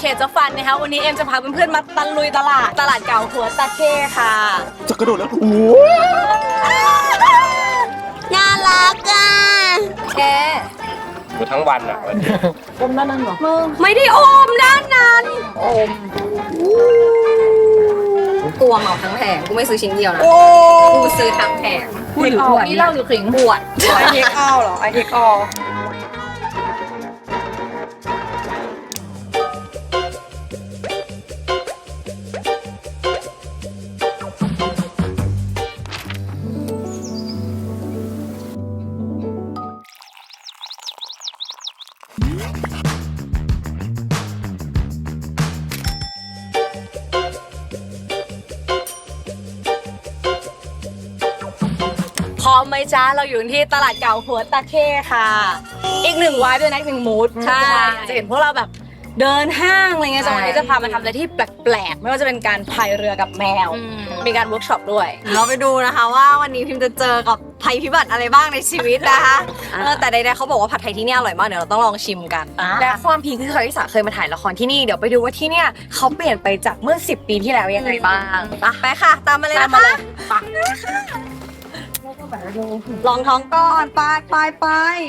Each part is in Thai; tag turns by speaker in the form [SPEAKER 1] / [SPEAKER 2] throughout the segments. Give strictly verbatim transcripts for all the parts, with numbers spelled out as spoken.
[SPEAKER 1] ตจะฟันนะคะวันนี้เอ็มจะพาเพื่อนๆมาตะลุยตลาดตลาดเก่าหัวตะเข้ค่ะ
[SPEAKER 2] จะกระโดดแล้วโอ้
[SPEAKER 1] น่ารักอ่ะแก
[SPEAKER 3] ดูทั้งวันอ่ะวันนี้
[SPEAKER 1] อมด้านนั้นเหรอไม่ได้อมด้านนั้นอมตัวเหมาทั้งแผงกูไม่ซื้อชิ้นเดียวนะกูซื้อทั้งแผงพูดถึงขวดนี่เราอยู่ขิงบวชไอเทคเอาเหรอไอเทคเอาพร้อมไหมจ้าเราอยู่ที่ตลาดเก่าหัวตะเข้ค่ะอีกหนึ่งวายด้วยนะอีกหนึ่งมูดใช่จะเห็นพวกเราแบบเดินห้างอะไรเงี้ยจังหวะนี้จะพามาทำอะไรที่แปลกๆไม่ว่าจะเป็นการพายเรือกับแมวมีการเวิร์กช็อปด้วยเราไปดูนะคะว่าวันนี้พิมจะเจอกับภัยพิบัติอะไรบ้างในชีวิตนะคะแต่ใดๆเขาบอกว่าผัดไทยที่นี่อร่อยมากเดี๋ยวเราต้องลองชิมกันและความพีคคือเคยที่สาเคยมาถ่ายละครที่นี่เดี๋ยวไปดูว่าที่เนี่ยเขาเปลี่ยนไปจากเมื่อสิบปีที่แล้วยังไงบ้างไปค่ะตามมาเลยนะคะลองท้องก่อนไปไปไป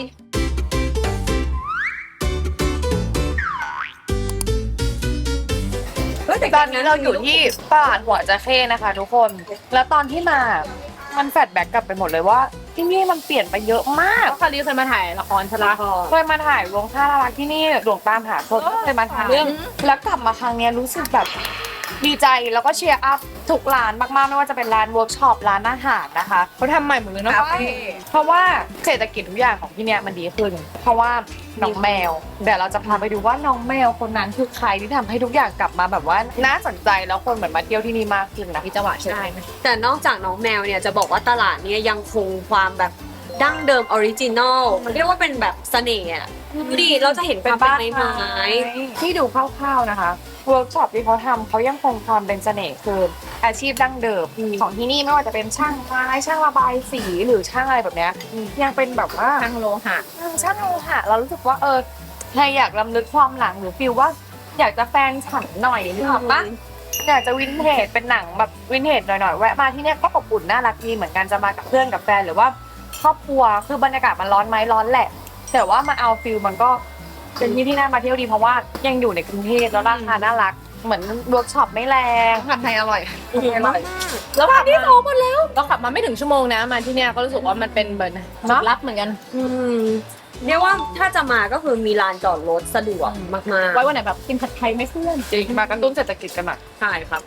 [SPEAKER 4] ตอนนี้เราอยู่ที่ตลาดหัวจระเข้นะคะทุกคนแล้วตอนที่มามันแฟลชแบ็กกลับไปหมดเลยว่าที่นี่มันเปลี่ยนไปเยอะมาก
[SPEAKER 1] คารีเคยมาถ่ายละครชลาภร
[SPEAKER 4] เคยมาถ่ายลวงท่ารักที่นี่หลวงตามหาคนเคยมาถ่ายเรื่องแล้วกลับมาครั้งนี้รู้สึกแบบดีใจแล้วก็เชียร์อัพทุกร้านมากๆไม่ว่าจะเป็นร้านเวิร์กช็อปร้านอาหารนะคะเขาทำใหม่หมดเลยนะเพราะว่าเศรษฐกิจทุกอย่างของที่เนี่ยมันดีขึ้นเพราะว่าน้องแมวเดี๋ยวเราจะพาไปดูว่าน้องแมวคนนั้นคือใครที่ทำให้ทุกอย่างกลับมาแบบว่าน่าสนใจแล้วคนเหมือนมาเที่ยวที่นี่มากขึ้นนะพี่จังหวะใช่ไหม
[SPEAKER 5] แต่นอกจากน้องแมวเนี่ยจะบอกว่าตลาดนี้ยังคงความแบบดั้งเดิมออริจินอลเรียกว่าเป็นแบบเสน่ห์อะดีเราจะเห็นเป็นบ้านไม้
[SPEAKER 4] ที่ดูคร่าวๆนะคะเวิร์กช็อปที่เขาทำเขายังคงความเป็นเสน่ห์คืออาชีพดั้งเดิมของที่นี่ไม่ว่าจะเป็นช่างไม้ช่างระบายสีหรือช่างอะไรแบบนี้ยังเป็นแบบว่า
[SPEAKER 1] ช่างโลหะ
[SPEAKER 4] ช่างโลหะเรารู้สึกว่าเออใครอยากรำลึกความหลังหรือฟีลว่าอยากจะแฟนฉันหน่อยหรือเปล่าอยากจะวินเทจเป็นหนังแบบวินเทจหน่อยๆแวะมาที่นี่ก็อบอุ่นน่ารักดีเหมือนกันจะมากับเพื่อนกับแฟนหรือว่าครอบครัวคือบรรยากาศมันร้อนไหมร้อนแหละแต่ว่ามาเอาฟิลมันก็เป็นที่ที่น่ามาเที่ยวดีเพราะว่ายังอยู่ในกรุงเทพแล้วราคาน่ารักเหมือนเวิร์กช็อปไม่แรง
[SPEAKER 1] ผัดไทยอร่อย
[SPEAKER 4] อร่อย
[SPEAKER 1] แล้วขับที่โตหมดแล้วเราขับมาไม่ถึงชั่วโมงนะมาที่เนี้ยก็รู้สึกว่ามันเป็นเหมือนจุดลับเหมือนกัน
[SPEAKER 5] เรียกว่าถ้าจะมาก็คือมีลานจอดรถสะดวกมากๆ
[SPEAKER 1] ไว้วันไหนแบบกินผัดไทยไม่เพื่อน
[SPEAKER 4] จริงมากระตุ้นเศรษฐกิจกันหน่อย
[SPEAKER 5] ใช่ครับ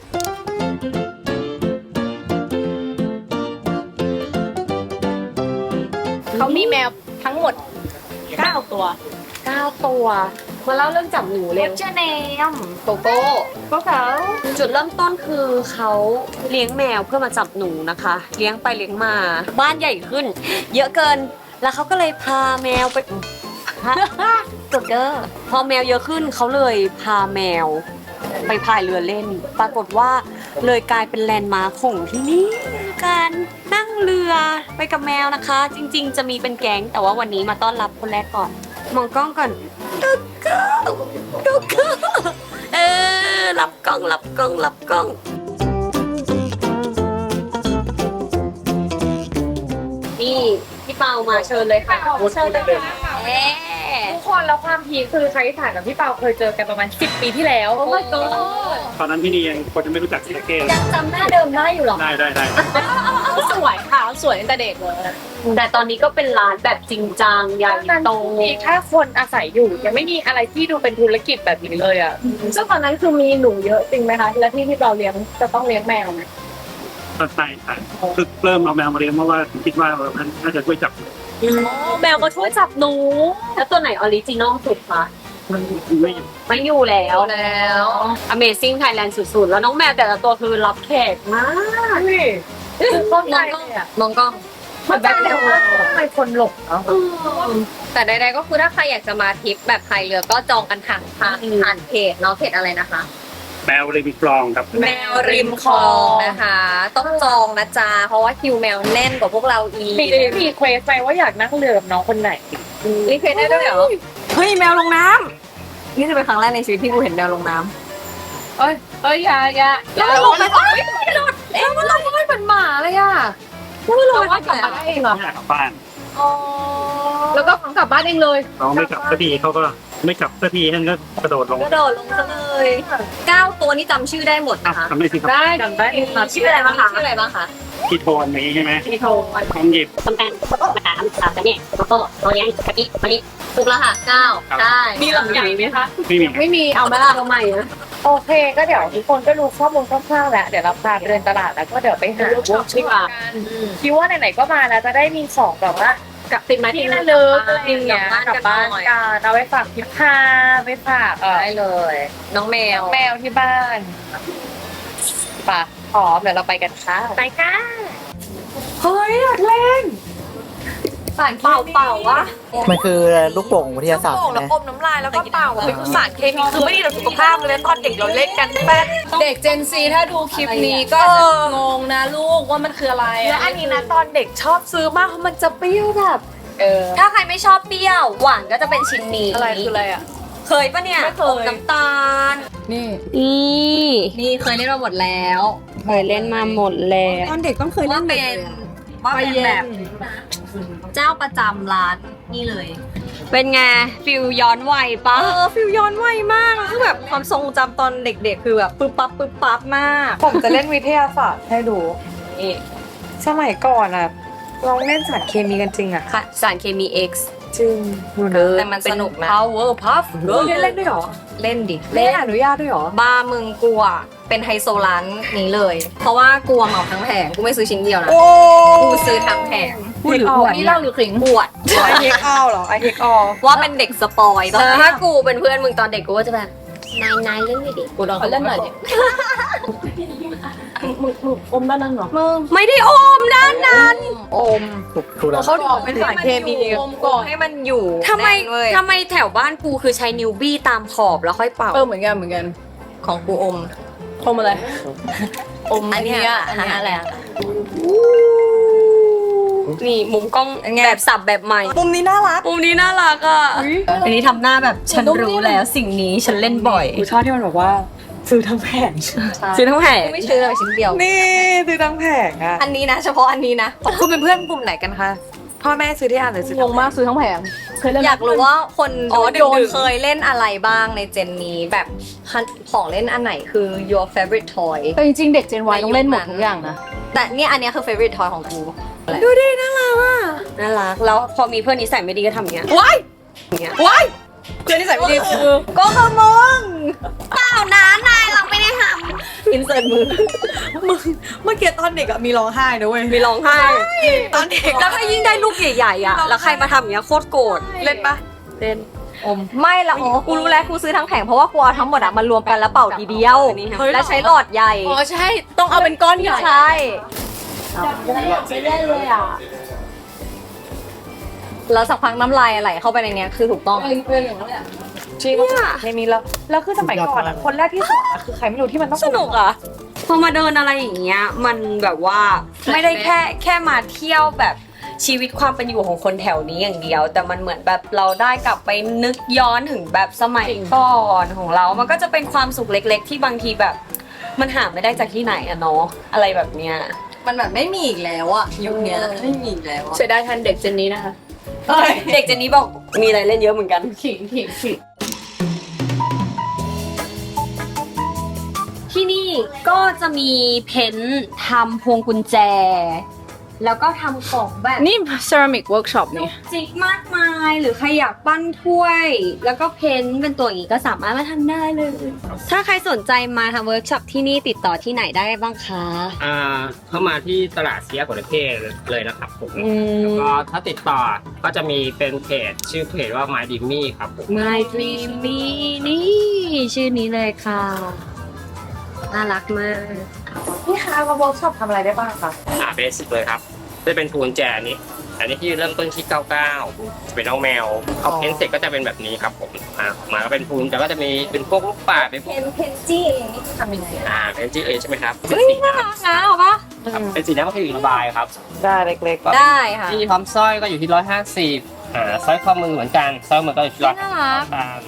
[SPEAKER 1] เขามีแมวทั้งหมดเก้าตัว
[SPEAKER 5] เก้าตัวมาเล่าเรื่องจับหนูเลย
[SPEAKER 1] เจ้าเนม
[SPEAKER 5] โกโก้
[SPEAKER 1] พวกเขา
[SPEAKER 5] จุดเริ่มต้นคือเขาเลี้ยงแมวเพื่อมาจับหนูนะคะเลี้ยงไปเลี้ยงมาบ้านใหญ่ขึ้นเยอะเกินแล้วเขาก็เลยพาแมวไปจบเด้อพอแมวเยอะขึ้นเขาเลยพาแมวไปพายเรือเล่นปรากฏว่าเลยกลายเป็นแลนด์มาร์คของที่นี่การนั่งเรือไปกับแมวนะคะจริงๆจะมีเป็นแก๊งแต่ว่าวันนี้มาต้อนรับคนแรกก่อนมองกล้องก่อนดุกกดุกเออรับกล้องรับกล้องรับกล้องนี่พี่เปามาเชิญเลยค่ะเชิญเลยค่ะ
[SPEAKER 4] ทุกคนแล้วความพีคคือใครถ่ายกับพี่เปาเคยเจอกันประมาณสิบปีที่แล้ว
[SPEAKER 5] โอ้ my god
[SPEAKER 2] ตอนนั้นพี่นี่ยังคนจะไม่รู้จักจระเข้
[SPEAKER 5] ยังจำหน้าเดิมได้อยู่หรอ
[SPEAKER 2] ได้ได้ได้
[SPEAKER 1] สวยค่ะสวยตั้งแต่เด็กเลย
[SPEAKER 5] แต่ตอนนี้ก็เป็นร้านแบบจริงจังใหญ่โต
[SPEAKER 4] มีแค่คนอาศัยอยู่ยังไม่มีอะไรที่ดูเป็นธุรกิจแบบนี้เลยอ่ะ
[SPEAKER 1] ซึ่งตอนนั้นคือมีหนูเยอะจริงไหมคะและที่ที่เราเลี้ยงจะต้องเลี้ยงแมวไหม
[SPEAKER 2] ใช่ใช่คือเริ่มเอาแมวมาเลี้ยงเพราะว่าคิดว่ามันน่าจะช่วยจับ
[SPEAKER 5] แมวก็ช่วยจับหนูแล้วตัวไหนออริจินอลสุดคะ
[SPEAKER 2] มันไม่
[SPEAKER 5] ไม่อยู่แล้วแล้ว Amazing Thailand สุดๆแล้วน้องแมวแต่ละตัวคือรับแขกมาก
[SPEAKER 4] คือต้นไม้
[SPEAKER 5] มองกล้อง
[SPEAKER 4] มันแบบแล้วว่าทำไมคนหลบเนาะ
[SPEAKER 5] แต่ใดๆก็คือถ้าใครอยากจะมาทริปแบบพายเรือก็จองกันทางผ่านเพจเนาะเพจอะไรนะคะ
[SPEAKER 2] แมวริมคลองครับ
[SPEAKER 5] แมวริมคลองนะคะต้องจองนะจ๊ะเพราะว่าคิวแมวแน่นกว่าพวกเราอีก
[SPEAKER 4] มีมีเควสไปว่าอยากนั่งเรือกับน้องคนไหน
[SPEAKER 5] รีเควสได้ด้วยเหรอ
[SPEAKER 1] เฮ้ยแมวลงน้
[SPEAKER 5] นี่จะเป็นครั้งแรกในชีวิตที่กูเห็นแมวลงน้
[SPEAKER 4] เอ้ยเอ้ยอยาอยา
[SPEAKER 5] ำแล้วมันลงไปก่อนไม่หลุด
[SPEAKER 4] แล้วมันลงไม่เป็นหมาเลยอ่ะ
[SPEAKER 5] แล้วมันลง
[SPEAKER 4] เรา
[SPEAKER 5] ไป
[SPEAKER 4] ว่ากลับ
[SPEAKER 5] ก่อน
[SPEAKER 4] มาได้เองเหรอ
[SPEAKER 2] ไม่อยากกลับบ้าน
[SPEAKER 4] อ๋อแล้วก็กลับบ้านเองเลย
[SPEAKER 2] น้องไม่กลับสักทีเขาก็ไม่กลับสักทีท่านก็กระโดดลง
[SPEAKER 5] กระโดดลงซะเลยเก้าตัวนี่จำชื่อได้หมด
[SPEAKER 2] อ่ะ
[SPEAKER 5] นะคะ
[SPEAKER 2] ทำได้สิครับ
[SPEAKER 4] ได้จำได้
[SPEAKER 5] ชื่ออะไรบ้างคะชื่ออะไรบ้างคะ
[SPEAKER 2] พี่โทนนี้ใช่ไหม
[SPEAKER 5] พี่โทน
[SPEAKER 2] น้องหยิบ
[SPEAKER 5] ต้มแป้งมะขามสามเนี่ยโกโก้โอเลี้ยงกะทิมะลิถูกแล้วค่ะเก้าใช่
[SPEAKER 4] มีหลังใหญ่ไหมคะ
[SPEAKER 2] ไม่มี
[SPEAKER 4] ไม่มี
[SPEAKER 5] เอาไหมล่ะเอาใหม่นะ
[SPEAKER 4] โอเคก็เดี๋ยวทุกคนก็รู้ข้อมูลคร่าวๆแล้วเดี๋ยวเราพาไปเดินตลาดแล้วก็เดี๋ยวไปหาเวิร์กช็อปกันคิดว่าไหนๆก็มาแล้วจะได้มีของแบบว่า
[SPEAKER 5] กับติดไม้
[SPEAKER 4] ที่
[SPEAKER 5] ที่
[SPEAKER 4] ระ
[SPEAKER 5] ระ
[SPEAKER 4] ลึ
[SPEAKER 5] ลึ
[SPEAKER 4] ก
[SPEAKER 5] ก
[SPEAKER 4] อะไรอย่างเงี้ยกลับบ้านกันเอาไปฝากพิพาไปฝากเออ
[SPEAKER 5] ได้เลยน้องแมว
[SPEAKER 4] แมวที่บ้านป่ะพร้อมเดี๋ยวเราไปกันค่ะ
[SPEAKER 5] ไปค่ะ
[SPEAKER 4] เฮ้ยอยากเล่น
[SPEAKER 5] ป่านเป่าเป่าวะ
[SPEAKER 6] มันคือลูกโป่งวิทยาศาสตร์
[SPEAKER 4] โป่ง
[SPEAKER 6] ใช่
[SPEAKER 4] แล้ว
[SPEAKER 6] ไหม
[SPEAKER 4] อมน้ำลายแล้วก็เป่าเป็นสารเคมีคือไม่ดีต่อสุขภาพเลยตอนเด็กเราเล่นกันแป๊บ
[SPEAKER 1] เด็ก Gen Z ถ้าดูคลิปนี้ก็
[SPEAKER 4] เอ
[SPEAKER 1] จะ
[SPEAKER 4] อ
[SPEAKER 1] งงนะลูกว่ามันคืออะไร
[SPEAKER 4] และอันนี้นะตอนเด็กชอบซื้อมากเพราะมันจะเปรี้ยวแบบ
[SPEAKER 1] เออ
[SPEAKER 5] ถ้าใครไม่ชอบเปรี้ยวหวานก็จะเป็นชิ้นนี้
[SPEAKER 4] อะไรคืออะไรอ่ะ
[SPEAKER 5] เคยปะเนี่ย
[SPEAKER 4] ไม่เคย
[SPEAKER 5] อมน้ำตาล
[SPEAKER 1] นี่
[SPEAKER 5] นี่
[SPEAKER 1] นี่เคยเล่นมาหมดแล้ว
[SPEAKER 5] เคยเล่นมาหมดแล้ว
[SPEAKER 1] ตอนเด็กต้องเคยเล่
[SPEAKER 5] ว่าน เป็นว่าเป็นแบบเจ้าประจำร้านนี่เลย เป็นไงฟิลย้อนวัยปะ
[SPEAKER 1] เออฟิลย้อนวัยมากคือแบบความทรงจำตอนเด็กๆ คือแบบปึ๊บปั๊บปึ๊บปั๊บมาก
[SPEAKER 4] ผมจะเล่นวิทยาศาสตร์ให้ดูนี่สมัยก่อนอ่ะเราเล่นสารเคมีกันจริงอ่ะ
[SPEAKER 5] ค่ะสารเคมี X
[SPEAKER 4] จริง
[SPEAKER 1] แต่มันสนุกนะ
[SPEAKER 5] power puff
[SPEAKER 4] เล่นเล่นด้วยเหรอ
[SPEAKER 1] เล่นดิ
[SPEAKER 4] เล่นอนุญาตด้วยเหรอ
[SPEAKER 1] บ้ามึงกลัวเป็นไฮโซร้านนี้เลย เพราะว่ากลัวเหมาทั้งแผงกูไม่ซื้อชิ้นเดียวนะกูซื้อทั้งแผง
[SPEAKER 4] พูดหรืออวด
[SPEAKER 1] นี่เล่าหรือขิงอวด
[SPEAKER 4] ไอเทคเอาเหรอไอเทคออ
[SPEAKER 1] ว่าเป็นเด็กสปอยตอน
[SPEAKER 5] เออ
[SPEAKER 1] นี้
[SPEAKER 5] ถ้ากูเป็นเพื่อนมึงตอนเด็กกูก็จะแบบนายนายเล่นไม่ดี
[SPEAKER 1] กูลองเล่นหน่อยดิอมด้านนั้นเหรอมึง
[SPEAKER 5] ไม่ได้อมด้านนั้น
[SPEAKER 1] อม
[SPEAKER 6] ถูกถูกแล้ว
[SPEAKER 4] เขาบอกเป็นสารเคมี
[SPEAKER 1] อมก่อนให้มันอยู่
[SPEAKER 5] ทำไม
[SPEAKER 1] แน่นเว้ย
[SPEAKER 5] ทำไมแถวบ้านกูคือใช้นิ้วบี้ตามขอบแล้วค่อยเป่า
[SPEAKER 1] เออเหมือนกันเหมือนกันของกูอมอมอะไรอม
[SPEAKER 5] อันเนี้ย
[SPEAKER 1] อันเนี้ยอะไรอะ
[SPEAKER 5] นี่มุมกล้องแบบสับแบบใหม่
[SPEAKER 1] มุมนี้น่ารัก
[SPEAKER 5] มุมนี้น่ารักอ่ะ
[SPEAKER 1] อันนี้ทำหน้าแบบฉันรู้แล้วสิ่งนี้ฉันเล่นบ่อย
[SPEAKER 4] กูชอบที่มันบอกว่าซื้อทั้งแผง
[SPEAKER 5] ซื้อทั้งแผง
[SPEAKER 1] ไม่ซื้อเลยชิ้นเดียว
[SPEAKER 4] นี่ซื้อทั้งแผงอ่ะ
[SPEAKER 1] อันนี้นะเฉพาะอันนี้นะ
[SPEAKER 4] คุณเป็นเพื่อนกลุ่มไหนกันคะพ่อแม่ซื้อที่อ่านหรือซื้อง
[SPEAKER 1] งมากซื้อทั้งแผงอยากรู้ว่าคน
[SPEAKER 5] อ๋อ
[SPEAKER 1] โยน
[SPEAKER 5] ดึกๆ
[SPEAKER 1] เคยเล่นอะไรบ้างในเจนนี้แบบของเล่นอันไหนคือ your favorite toy
[SPEAKER 7] แต่จริงๆ เด็ก Gen Y ต้องเล่นหมดทุกอย่างนะ
[SPEAKER 1] แต่เนี่ยอันเนี้ยคือ favorite toy ของกู
[SPEAKER 5] ดูดิน่ารักอ่ะน่ารักแล้วพอมีเพื่อนนิสัยไม่ดีก็ทำอย่างเงี้ย
[SPEAKER 1] ว้าย
[SPEAKER 5] อย่างเงี้ย
[SPEAKER 1] ว้ายเพื่อนที่ใส่ไม่ดีคือก็คือมึง
[SPEAKER 5] เปล่านะนายเราไม่ได้ท
[SPEAKER 1] อินเสิร์ตมือมึงเมื่อกี้ตอนเด็กอะมีร้องไห้นะเว้ย
[SPEAKER 5] ำมีร้องไห้
[SPEAKER 1] ตอนเด็ก
[SPEAKER 5] แล้วถ้ายิ่งได้ลูกใหญ่ๆอ่ะแล้วใครมาทำอย่างเงี้ยโคตรโกรธ
[SPEAKER 4] เล่นปะ
[SPEAKER 5] เล่น
[SPEAKER 1] ไม่ละอ๋อกูรู้แล้วกูซื้อทั้งแผงเพราะว่ากูเอาทั้งหมดอะมารวมกันแล้วเป่าทีเดียว
[SPEAKER 5] เฮ้ย
[SPEAKER 1] แล้วใช้หลอดใหญ่
[SPEAKER 4] อ๋อใช่ต้องเอาเป็นก้อนใหญ่
[SPEAKER 1] ใช่ แล้วสักพักน้ำลายไหลเข้าไปในเนี้ยคือถูกต้อง
[SPEAKER 4] จริงเคมีแล้วแล้วคือสมัยก่อนอ่ะคนแรกที่สอนอะคือใครไม่รู้ที่มันต้อง
[SPEAKER 5] สนุกอ่ะพอมาเดินอะไรอย่างเงี้ยมันแบบว่าไม่ได้แค่แค่มาเที่ยวแบบชีวิตความเป็นอยู่ของคนแถวนี้อย่างเดียว แต่มันเหมือนแบบเราได้กลับไปนึกย้อนถึงแบบสมัยก่อนของเรา มันก็จะเป็นความสุขเล็ก ๆ ที่บางทีแบบ มันหาไม่ได้จากที่ไหนอะเนาะอะไรแบบเนี้ย
[SPEAKER 1] มันแบบไม่มีอีกแล้วอะยุคเนี้ยไม่มีอีกแล้วอะ
[SPEAKER 7] เสียดายทันเด็กเจนนี้นะคะ
[SPEAKER 5] เด็กเจนนี้บอกมีอะไรเล่นเยอะเหมือนกัน
[SPEAKER 7] ขิงขิงขิง
[SPEAKER 5] ที่นี่ก็จะมีเพ้นท์ทำพวงกุญแจ แล้วก็ทำของแบบ
[SPEAKER 7] นี่ ceramic workshop นี่
[SPEAKER 5] จิกมากมายหรือใครอยากปั้นถ้วย แล้วก็เพ้นท์เป็นตัวอย่างนี้ก็สามารถมาทำได้เลย ถ้าใครสนใจมาทำเวิร์กช็อปที่นี่ติดต่อที่ไหนได้บ้างคะ
[SPEAKER 3] อ่าเข้ามาที่ตลาดเซียกวเทศเลยนะครับผม
[SPEAKER 5] อืม
[SPEAKER 3] แล้วก็ถ้าติดต่อก็จะมีเป็นเพจชื่อเพจว่า My Dimmy ครับผม
[SPEAKER 5] My Dreamy นี่ชื่อนี้เลยค่ะน่ารักมาก
[SPEAKER 4] พี่คะมาเวิร์กช็อปทำอะไรได้บ้างคะ
[SPEAKER 3] อ่าเบสิกเลยครับจะเป็นปูนแจนี้ อันนี้ที่เริ่มต้นที่เก้าเก้าเป็นน้องแมวเขาเพ้นเสร็จก็จะเป็นแบบนี้ครับผมอ่ามาก็เป็นปูนแต่ก็จะมีเป็นพวกลูกป่าเป็นพวก
[SPEAKER 1] เพนเพนจี้เองนี่ทำยังไง
[SPEAKER 3] อ่าเป็นจีเอใช่ไหมครับเป็นสีน้ำ
[SPEAKER 5] นะเหรอปะ
[SPEAKER 3] ครับเป็นสีน้ำก็คือระบายครับ
[SPEAKER 4] ได้เล็ก
[SPEAKER 1] ได้ค่ะ
[SPEAKER 3] ที่พร้อมสร้อยก็อยู่ที่ร้อยห้าสิบอ่าสร้อยข้อมือเหมือนกันสร้อยมือก็อยู่ที่ร้อย
[SPEAKER 5] น่ารัก
[SPEAKER 3] บาท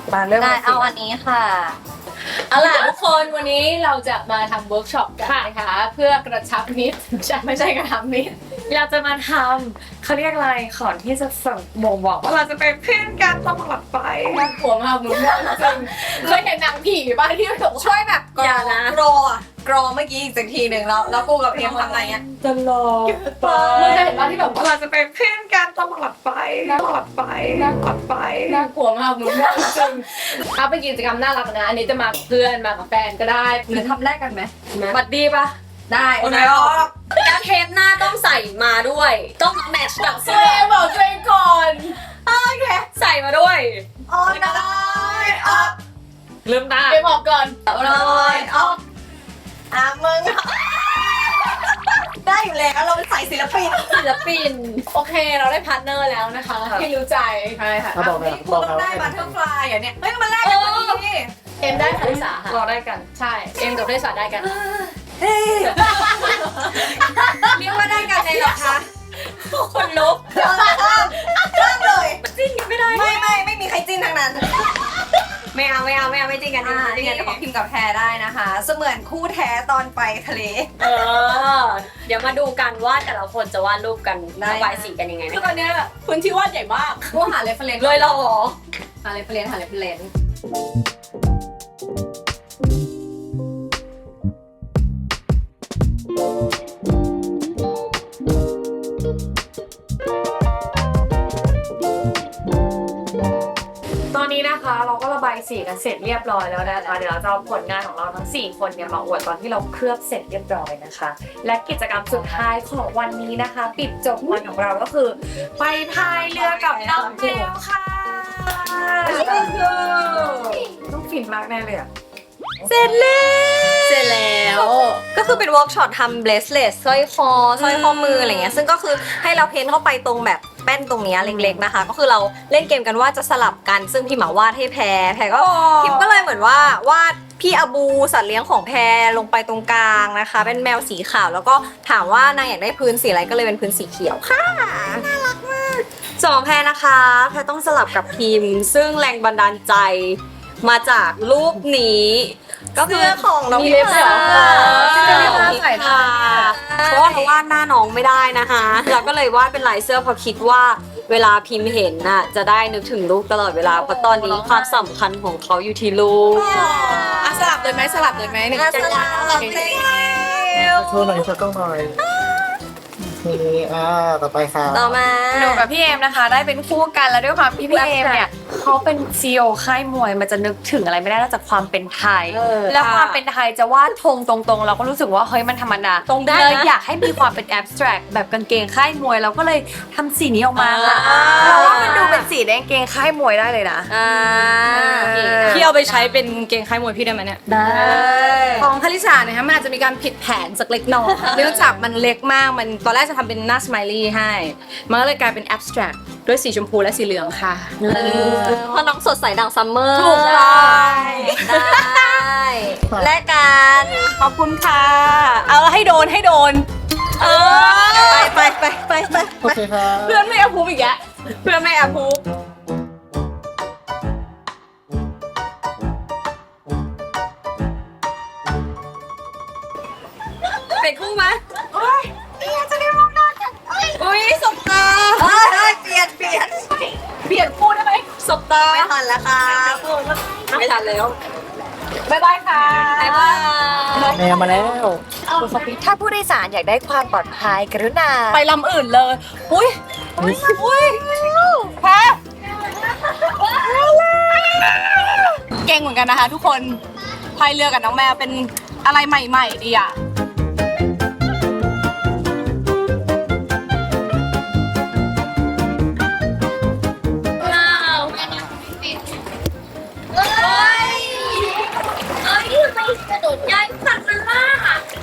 [SPEAKER 4] มาเริ่ม
[SPEAKER 5] ได้เอาอันนี้ค่ะ
[SPEAKER 7] เอาล่ะทุกคนวันนี้เราจะมาทำเวิร์กช็อปกันนะคะ เพื่อกระชับมิตรไม่ใช่ไม่ใช่กระชับมิตร
[SPEAKER 4] เราจะมาทำเขาเรียกอะไรขอนที่จะส่งบ่งบอกว่าเราจะเป็นเพื่อนกันตลอดไป
[SPEAKER 7] น่ากลัวมากมึงจริงเคยเห็นหนังผีบ้างที่มันบอกว่า
[SPEAKER 1] ช่วยแบบกร
[SPEAKER 5] อย่า
[SPEAKER 1] อ
[SPEAKER 5] นะ
[SPEAKER 1] กรออะกรอเมื่อกี้อีกสักทีหนึ่งแล้วแล้วกูกับเพียงทำอะไรเงี้ย
[SPEAKER 4] ตลอดไป
[SPEAKER 7] มึงเคยเห็นบ้างที่แบบว่า
[SPEAKER 4] เราจะเป็นเพื่อนกันตลอดไปตลอดไปตลอดไป
[SPEAKER 7] น่ากลัวมากมึงจริงเอาเป็นกิจกรรมน่ารักนะอันนี้จะมากับเพื่อนมากับแฟนก็ได้
[SPEAKER 1] หรือทำแรกกันไหม
[SPEAKER 7] บัดดีปะ
[SPEAKER 1] ได้
[SPEAKER 7] โอเค
[SPEAKER 1] ออก
[SPEAKER 5] แล้วเทปหน้าต้องใส่มาด้วย ต้องมาแมทช์กับ
[SPEAKER 7] ตั
[SPEAKER 5] เสื้
[SPEAKER 7] ว
[SPEAKER 5] อ
[SPEAKER 7] เองบอกตัวเองก่อน
[SPEAKER 5] ใส่มาด้วย
[SPEAKER 1] ออนได้ออก
[SPEAKER 4] เริ่มได้
[SPEAKER 7] เอ็มออกก่อน
[SPEAKER 1] ลอยออกอ่ะมึงได้อยู่แล้วเราเป็นสายศิลปิน
[SPEAKER 5] ศิลปิน
[SPEAKER 7] โอเคเราได้พาร์ทเนอร์แล้วนะคะที่รู้ใจใช่ค่ะ
[SPEAKER 6] ถ้าบอกนะ
[SPEAKER 1] นี่กู
[SPEAKER 6] บอก
[SPEAKER 1] ต้อง
[SPEAKER 6] นะ
[SPEAKER 1] ได้บัตเทอร์ฟลายอ่ะเนี่ยเฮ้ยมันแรกกันพอดี
[SPEAKER 7] เอ็มได้คาริสาค่ะ
[SPEAKER 4] เราได้กัน
[SPEAKER 7] ใช่เอ็มกับคาริสาได้กัน
[SPEAKER 1] เฮ้ยเรียกว่าได้กันเลยเหรอคะ
[SPEAKER 5] คนลุก
[SPEAKER 1] เริ่มเริ่มเลย
[SPEAKER 5] จิ้นกันไม่ได้
[SPEAKER 1] ไม่ไม่ไม่มีใครจิ้นทั้งนั้น
[SPEAKER 5] ไม่เอาไม่เอาไม่เอาไม่จิ้นกัน
[SPEAKER 1] อ่า
[SPEAKER 5] ไม่
[SPEAKER 1] นี่
[SPEAKER 5] จิ้น
[SPEAKER 1] ไง
[SPEAKER 5] กัน
[SPEAKER 1] ของพิมพ์กับแพรได้นะคะ เสมือนคู่แท้ตอนไปทะเล
[SPEAKER 5] เออ เดี๋ยวมาดูกันว่าแต่ละคนจะวาดรูปกัน
[SPEAKER 1] ได้
[SPEAKER 5] ระบายสีกันยังไง
[SPEAKER 7] คือ
[SPEAKER 5] นะ
[SPEAKER 7] ตอนเนี้ยพื้นที่วาดใหญ่มาก
[SPEAKER 1] กูหาเรฟเฟรนซ์
[SPEAKER 5] เลยเหรอ
[SPEAKER 7] หาเรฟเฟรนซ์หาเรฟเฟรนซ์
[SPEAKER 4] ตอนนี้นะคะเราก็ระบายสีกันเสร็จเรียบร้อยแล้วนะคะเดี๋ยวเราจะเอาผลงานของเราทั้งสี่คนเนี่ยมาอวดตอนที่เราเคลือบเสร็จเรียบร้อยนะคะ และกิจกรรมสุดท้ายของวันนี้นะคะ ปิดจบวันของเราก็คือ ไปพายเรือกับน้องแมวค่ะต้องฟินมากแน่เลยอะ
[SPEAKER 5] เสร็จแล้ว
[SPEAKER 7] เสร็จแล้ว
[SPEAKER 5] ก็คือเป็นเวิร์กช็อปทำเบสเลสสร้อยคอสร้อยข้อมืออะไรเงี้ยซึ่งก็คือให้เราเพ้นเข้าไปตรงแบบแป้นตรงเนี้ยเล็กๆนะคะ ก็คือเราเล่นเกมกันว่าจะสลับกันซึ่งพี่หมาวาดให้แพรแพรก็พิมก็เลยเหมือนว่าวาดพี่อาบูสัตว์เลี้ยงของแพรลงไปตรงกลางนะคะ เป็นแมวสีขาวแล้วก็ถามว่านางอยากได้พื้นสีอะไรก็เลยเป็นพื้นสีเขียวค่ะน่ารักมากสองแพรนะคะแพรต้องสลับกับพิมซึ่งแรงบันดาลใจมาจากรูปนี้ก็คือของน้อง
[SPEAKER 7] มีเล็บเหรอ
[SPEAKER 5] ซึ่งเป็นของพิมค่ะเพราะว่าเราวาดหน้าน้องไม่ได้นะคะเราก็เลยวาดเป็นลายเสื้อเพราะคิดว่าเวลาพิมพ์เห็นน่ะจะได้นึกถึงลูกตลอดเวลาเพราะตอนนี้ความสำคัญของเขาอยู่ที่ลูก
[SPEAKER 1] อ่ะสลับเลยไหมสลับเลยไหมหนึ่ง
[SPEAKER 5] สลับ
[SPEAKER 1] เลย
[SPEAKER 6] โชว์หน่อยโชว์กล้องหน่อยโอเคอ่าต่อไปค่ะ
[SPEAKER 5] ต่อมา
[SPEAKER 4] หนูกับพี่เอมนะคะ ได้เป็นคู่กันแล้วด้วยความที่พี่เอมเนี่ยเขาเป็นซีอีโอค่ายมวยมันจะนึกถึงอะไรไม่ได้นอกจากความเป็นไทย แล้วความเป็นไทยจะวาดธงตรงๆ เราก็รู้สึกว่าเฮ้ยมันธรรมดา
[SPEAKER 5] ตรงได้
[SPEAKER 4] เลย
[SPEAKER 5] นะ
[SPEAKER 4] อยากให้มีความเป็นแอบสแตรกแบบกางเกงค่ายมวยเราก็เลยทำสีนี้ออกมาค่ะ
[SPEAKER 5] อ่า
[SPEAKER 4] เราว่ามันดูเป็นสีแดงเกงค่ายมวยได้เลยนะ
[SPEAKER 5] อ่า
[SPEAKER 1] พี่เอาไปใช้เป็นเกงค่ายมวยพี่ได้ไหมเนี่ย
[SPEAKER 4] ได้
[SPEAKER 1] ของคาริสาเนี่ยฮะมันอาจจะมีการผิดแผนสักเล็กน้อย เนื่องจากมันเล็กมากมันตอนแรกจะทำเป็นหน้าสไมลี่ให้ มันก็เลยกลายเป็นแอบสแตรกด้วยสีชมพูและสีเหลืองค่ะ
[SPEAKER 5] เพราะน้องสดใสดังซัมเมอร์
[SPEAKER 1] ถูกต้อง
[SPEAKER 5] ได้และกัน
[SPEAKER 1] ขอบคุณค่ะ เอาให้โดนให้โดน เออ
[SPEAKER 5] ไปไปไปไปไป
[SPEAKER 6] โอเคครับ
[SPEAKER 1] เพื่อนไม่อาพูอีกแล้วเพื่อนไม่อาพู
[SPEAKER 5] เป็นคู่ไหม
[SPEAKER 1] อุ้ยสบตา
[SPEAKER 5] เฮ้ยเปลี่ยนเปลี่ยน
[SPEAKER 1] เปลี่ยนคู่ได้ไหมสบตา
[SPEAKER 5] ไม่ทันแล้วค่ะไม่ทันแล้ว
[SPEAKER 1] บ๊ายบายค่ะ
[SPEAKER 5] บ๊ายบาย
[SPEAKER 6] แมวมาแล้ว
[SPEAKER 4] ถ้าผู้โดยสารอยากได้ความปลอดภัยกรุณา
[SPEAKER 1] ไปลำอื่นเลย อุ้ยอุ้ยอุ้ยแพ้เก่งเหมือนกันนะคะทุกคนพายเรือกับน้องแมวเป็นอะไรใหม่ๆดีอ่ะ
[SPEAKER 5] กระโดดย้ายสัตว์มันล่า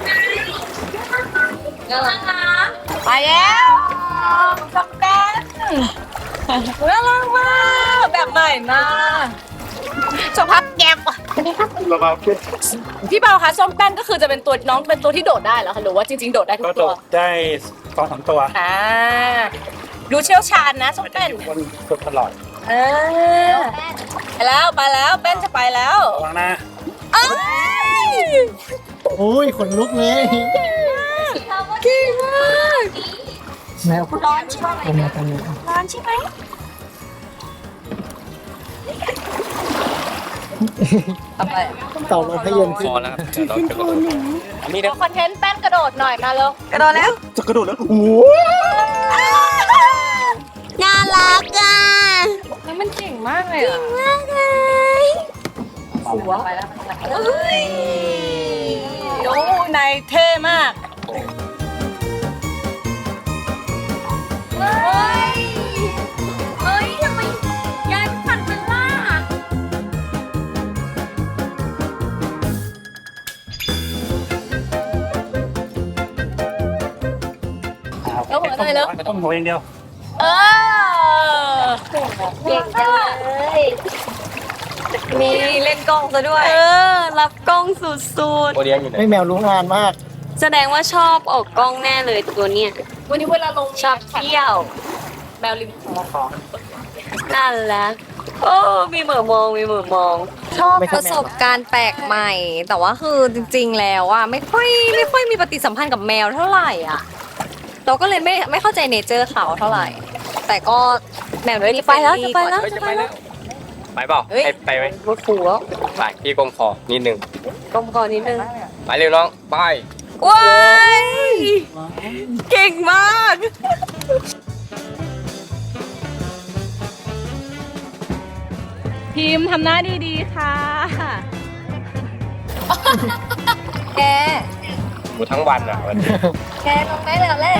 [SPEAKER 5] น่ารักนะ
[SPEAKER 1] ไปแล้วช็อกแดนน่ารักมากแบบใหม่มากชมพักแก็บ
[SPEAKER 2] เราเอาขึ้น
[SPEAKER 1] พี่เบาคะส้มแป้นก็คือจะเป็นตัวน้องเป็นตัวที่โดดได้เหรอคะหรือว่าจริงๆโดดได้ทุ
[SPEAKER 2] ก็
[SPEAKER 1] ก
[SPEAKER 2] โด
[SPEAKER 1] ตัว
[SPEAKER 2] ดได้สองสามตัว
[SPEAKER 1] อ่าดูเชี่ยวชาญนะส้มแป้น
[SPEAKER 2] คนฝึกตลอด
[SPEAKER 1] เออไปแล้วไปแล้วเป้นจะไปแล้ว
[SPEAKER 2] ระวังนะ
[SPEAKER 1] เอ้ย
[SPEAKER 6] โอ้ยขนลุกเลย
[SPEAKER 1] เก่งมาก
[SPEAKER 6] แมว
[SPEAKER 1] ร้อนใช่ไหม
[SPEAKER 6] เป็นไงกันเนี่ย
[SPEAKER 1] ร้อนใช่ไหม ทำไม
[SPEAKER 6] เต่าลมให้เย็น
[SPEAKER 3] พ
[SPEAKER 6] ขึ้น
[SPEAKER 3] อแล้วครับเดี๋ยวเราจะกระโดดอันนี้เดี๋ยว
[SPEAKER 4] คอนเทนต์แป้นกระโดดหน่อยมาเร็ว
[SPEAKER 1] กระโดดแล้ว
[SPEAKER 2] จะกระโดดแล้วโอ้โห
[SPEAKER 5] น่ารักอ่ะ
[SPEAKER 4] แล้วมันเก่งมากเลยอ่ะ
[SPEAKER 5] มากเลย
[SPEAKER 1] หัวไปแล้วเฮ้ยโอ้นายเท่มาก
[SPEAKER 5] เฮ้ย เฮ้ยทำไมยายฝันเป็นล่า
[SPEAKER 1] แล้วหัวหน่อยแล้ว
[SPEAKER 2] ต้องหัวอย่างเดียว
[SPEAKER 1] เออ
[SPEAKER 5] เก่งจังเลยมีเล่นกล้องซะด้วย เออ รับกล้องสุด
[SPEAKER 3] โอเลี้ยงอยู่ไหน
[SPEAKER 6] ไม่แมวรู้งานมาก
[SPEAKER 5] ๆ แสดงว่าชอบออกกล้องแน่เลยตัวเนี้ย
[SPEAKER 1] วันนี้เวลาลง
[SPEAKER 5] ชอบเที่ยว
[SPEAKER 1] แมวริมคลอง
[SPEAKER 5] นั่นแหละโอ้ มีเหมือมอง มีเหมือมอง
[SPEAKER 1] ชอบ
[SPEAKER 6] ไม่ใช่
[SPEAKER 1] ประสบการณ์แปลกใหม่ แต่ว่าคือจริงๆแล้วอ่ะไม่ค่อยไม่ค่อยมีปฏิสัมพันธ์กับแมวเท่าไหร่อ่ะ เราก็เลยไม่ไม่เข้าใจเนเจอร์เขาเท่าไหร่ แต่ก็แมวที่
[SPEAKER 5] ไปแล้วจะไปแล้ว
[SPEAKER 3] เฮ้ยจะไปแล้วไปเปล่าไปไปไหม
[SPEAKER 5] รถถูแล้ว
[SPEAKER 3] ไปพี่กลมคอนิดนึง
[SPEAKER 5] กลมก่อนนิดนึง
[SPEAKER 3] ไปเร็วน้องไป
[SPEAKER 1] ว้ายเก่งมาก พิมพ์ทำหน้าดีๆค่ะ แก
[SPEAKER 3] อยู่ทั้งวันอ่ะวันนี้
[SPEAKER 1] แกลงได้แล้วแหละ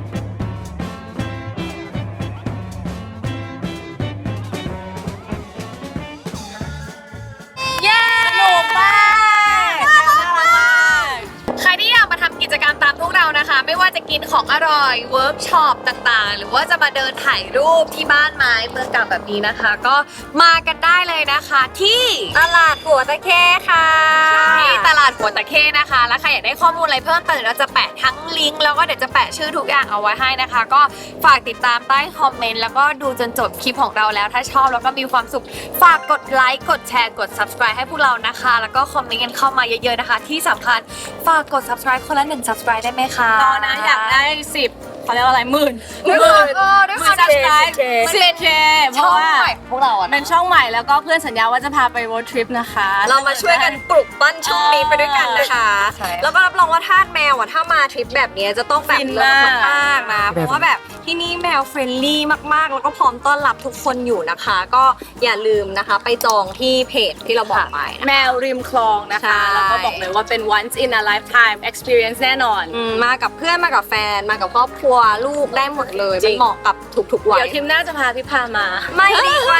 [SPEAKER 1] เย้สนุกมากน่ารักมาก
[SPEAKER 4] ใครที่อยากมาทำกิจกรรมตามพวกเรานะคะ ไม่ว่าจะกินของอร่อยเวิร์กช็อปต่างๆ หรือว่าจะมาเดินถ่ายรูปที่บ้านไม้เมืองเก่าแบบนี้นะคะ ก็มากันได้เลยนะคะที่
[SPEAKER 5] ตลาดหัวตะเข้ค่ะ
[SPEAKER 4] ที่ตลาดหัวตะเข้นะคะ แล้วใครอยากได้ข้อมูลอะไรเพิ่มเติมเราจะแปะทั้งลิงก์แล้วก็เดี๋ยวจะแปะชื่อทุกอย่างเอาไว้ให้นะคะ ก็ฝากติดตามใต้คอมเมนต์แล้วก็ดูจนจบคลิปของเราแล้วถ้าชอบแล้วก็มีความสุขฝากกดไลค์กดแชร์กด subscribe ให้พวกเรานะคะ แล้วก็คอมเมนต์กันเข้ามาเยอะๆนะคะ ที่สำคัญฝากกด subscribe คนละหนึ่ง subscribe ได้ไหมคะ
[SPEAKER 1] ตอนนะอยากได้สิบเขาเรียกว่าอะไรหมื่น
[SPEAKER 4] ด้วยความเออด้วยความ
[SPEAKER 1] ซับสไครต์สิบเคเพ
[SPEAKER 4] ช่อ
[SPEAKER 1] ราะ
[SPEAKER 4] ง
[SPEAKER 1] ว่า
[SPEAKER 4] ใหม่ของพวกเราอ่ะ
[SPEAKER 1] เป็นช่องใหม่แล้วก็เพื่อนสัญญาว่าจะพาไป road trip นะคะ
[SPEAKER 5] เรามาช่วยกันปลุกปั้นช่องนี้ไปด้วยกันนะคะ
[SPEAKER 1] ใช่
[SPEAKER 5] แล้วก็รับรองว่าทาสแมวอ่ะถ้ามาทริปแบบนี้จะต้องแบบ
[SPEAKER 1] ฟิน
[SPEAKER 5] เลิศ
[SPEAKER 1] มาก
[SPEAKER 5] มากๆนะ เพราะว่าแบบที่นี่แมวเฟรนลี่มากๆ แล้วก็พร้อมต้อนรับทุกคนอยู่นะคะ ก็อย่าลืมนะคะ ไปจองที่เพจที่เราบอกไปนะ
[SPEAKER 1] แมวริมคลองนะ
[SPEAKER 5] ใช่
[SPEAKER 1] คะ แล้วก็บอกเลยว่าเป็น once in a lifetime experience แน่นอน
[SPEAKER 5] อืมมากับเพื่อนมากับแฟนมากับครอบครัวลูกได้หมดเลย
[SPEAKER 1] จริ
[SPEAKER 5] มัน
[SPEAKER 1] ง
[SPEAKER 5] เหมาะกับทุกๆวัย
[SPEAKER 1] เดี๋ยวทีมหน้าจะพาพี่พามา
[SPEAKER 5] ไม่ดีกว่า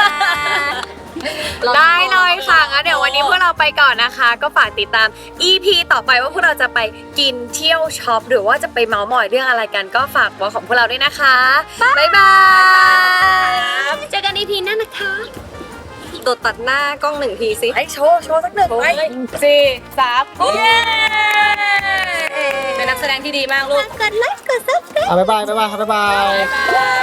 [SPEAKER 4] ได้เลยค่ะงั้นเดี๋ยววันนี้พวกเราไปก่อนนะคะ ก็ฝากติดตาม อี พี ต่อไปว่าพวกเราจะไปกินเที่ยวช็อปหรือว่าจะไปเมาส์มอยเรื่องอะไรกันก็ฝากบอกของพวกเราด้วยนะคะ บ๊ายบาย
[SPEAKER 5] เจอกัน อี พี หน้านะคะตดตัดหน้ากล้องหนึ่งทีสิ
[SPEAKER 1] ไอโชว์ โชว์สักหนึ่งไปสี่สามเย้เป็นนักแสดงที่ดีมากลูก
[SPEAKER 5] กดไลค์กดซับสไครบ์
[SPEAKER 6] อ่ะบ๊ายบายบ๊ายบายครับบ๊ายบาย